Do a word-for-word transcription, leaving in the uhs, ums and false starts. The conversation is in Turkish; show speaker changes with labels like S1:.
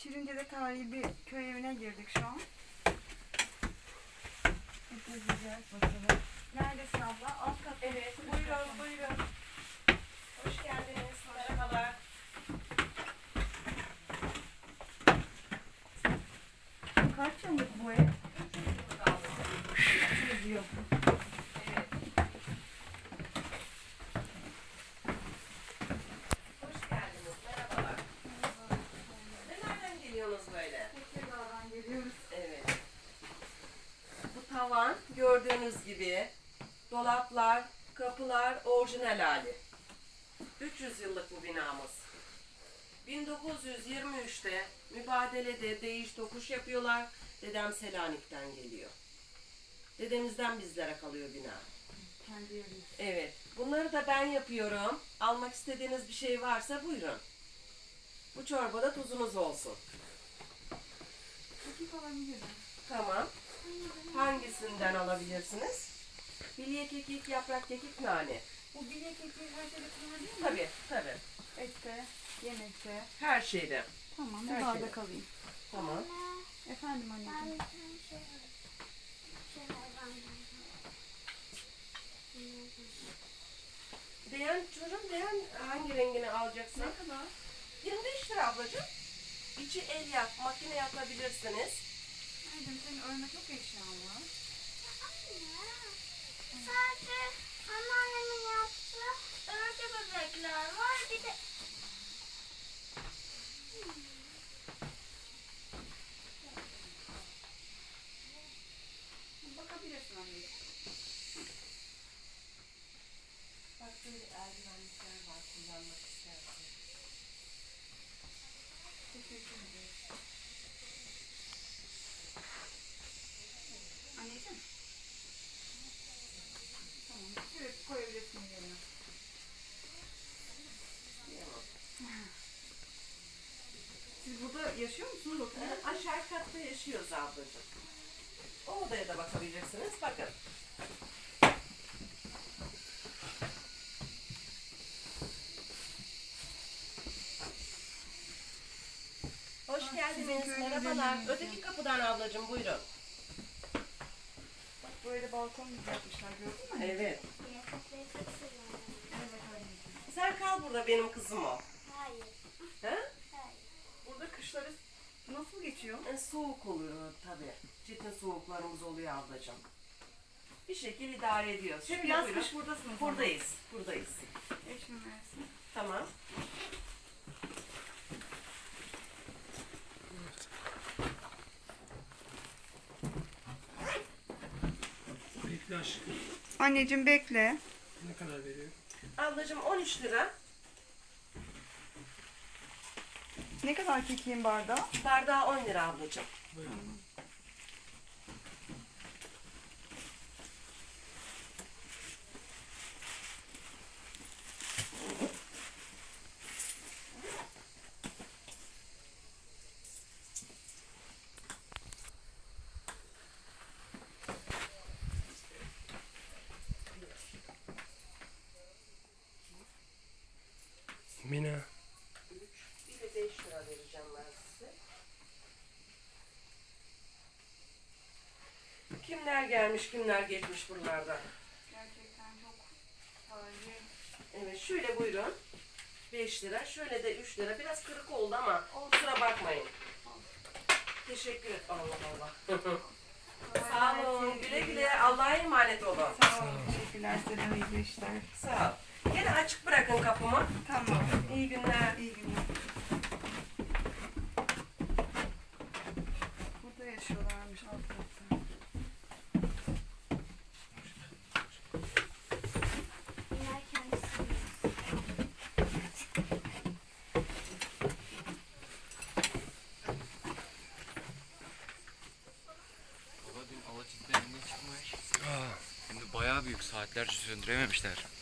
S1: Şirince'de tarihi bir köy evine girdik şu an. Hep gezeceğiz bakalım. Neredesin abla? Alt kat.
S2: Evet, buyurun, buyurun. Hoş geldiniz, merhabalar.
S1: Kaç yıllık bu ev? üç yüz yıl.
S2: Evet. Hoş geldiniz, merhabalar. Ve nereden geliyorsunuz böyle?
S1: Tekirdağ'dan geliyoruz.
S2: Evet. Bu tavan gördüğünüz gibi dolaplar, kapılar orijinal hali. üç yüz yıllık bu binamız. bin dokuz yüz yirmi üçte mübadelede değiş tokuş yapıyorlar. Dedem Selanik'ten geliyor. Dedemizden bizlere kalıyor bina.
S1: Kendi evimiz.
S2: Evet. Bunları da ben yapıyorum. Almak istediğiniz bir şey varsa buyurun. Bu çorbada tuzunuz olsun.
S1: Kekik alabilirim.
S2: Tamam. Hangisinden alabilirsiniz? Bilye kekik, yaprak kekik, nane.
S1: Bu bilye kekiği her şeyde kullanabilir mi?
S2: Tabii, tabii.
S1: Ette, yemekte.
S2: Her şeyde.
S1: Tamam,
S2: Her
S1: bir
S2: şeyde.
S1: bardak alayım.
S2: Tamam.
S1: Efendim anneciğim.
S2: Beğen çocuğum, beğen hangi rengini alacaksın?
S1: Ne kadar?
S2: yirmi beş lira ablacığım. İçi el yap, makine yapabilirsiniz.
S1: Anneciğim senin örme çok eşyan var.
S3: Sadece anneannemin yaptığı örgü bebekler var. Bir de
S1: Bakabilirsin anneciğim.
S2: Bak böyle eldivenlikler var, kullanmak istersen.
S1: Teşekkür ederim. Anneciğim. Tamam. Evet koyabilirsin yerine. Siz burada yaşıyor musunuz? Oturuyor musunuz?
S2: Aşağı katta yaşıyoruz ablacığım. O odaya da bakabileceksiniz. Bakın. Hoş
S1: Ah,
S2: geldiniz.
S1: sizin köyde
S2: Merhabalar.
S1: yemeğiniz
S2: Öteki kapıdan ablacığım buyurun.
S1: Bak böyle balkon gibi yapmışlar gördün mü?
S2: Evet.
S3: yatakları çok seviyorum.
S1: Evet anneciğim.
S2: Sen kal burada, benim kızım o.
S3: Hayır.
S2: He?
S3: Hayır.
S1: Burada kışları nasıl geçiyor?
S2: E, soğuk oluyor tabii. Ciddi soğuklarımız oluyor ablacığım. Bir şekil idare ediyoruz.
S1: Hep
S2: Şimdi
S1: yaz
S2: buyurun.
S1: kış buradasınız. ama.
S2: Buradayız. Buradayız.
S1: Eşim versin.
S2: Tamam.
S4: Bekle aşkım.
S1: Anneciğim bekle.
S4: Ne kadar veriyor?
S2: Ablacığım on üç lira.
S1: Ne kadar kekiğin bardağı?
S2: Bardağı on lira ablacığım.
S4: Buyurun. Mina.
S2: Bir de beş lira vereceğim ben size. Kimler gelmiş, kimler geçmiş buralardan.
S1: Gerçekten çok tarihi.
S2: Evet, şöyle buyurun. beş lira, şöyle de üç lira. Biraz kırık oldu ama kusura bakmayın. Teşekkür et. Allah Allah. Sağ olun. Güle güle. Allah'a emanet olun.
S1: Sağ olun. Teşekkürler size de iyi işler.
S2: Sağ ol. Yine açık bırakın kapımı.
S1: Tamam.
S2: İyi günler.
S1: İyi günler. Burada yaşıyorlarmış alt katta.
S3: Bunlar kendisi.
S5: Baba dün Alaçatı evinde çıkmış. Hem de bayağı büyük, saatlerce söndürememişler.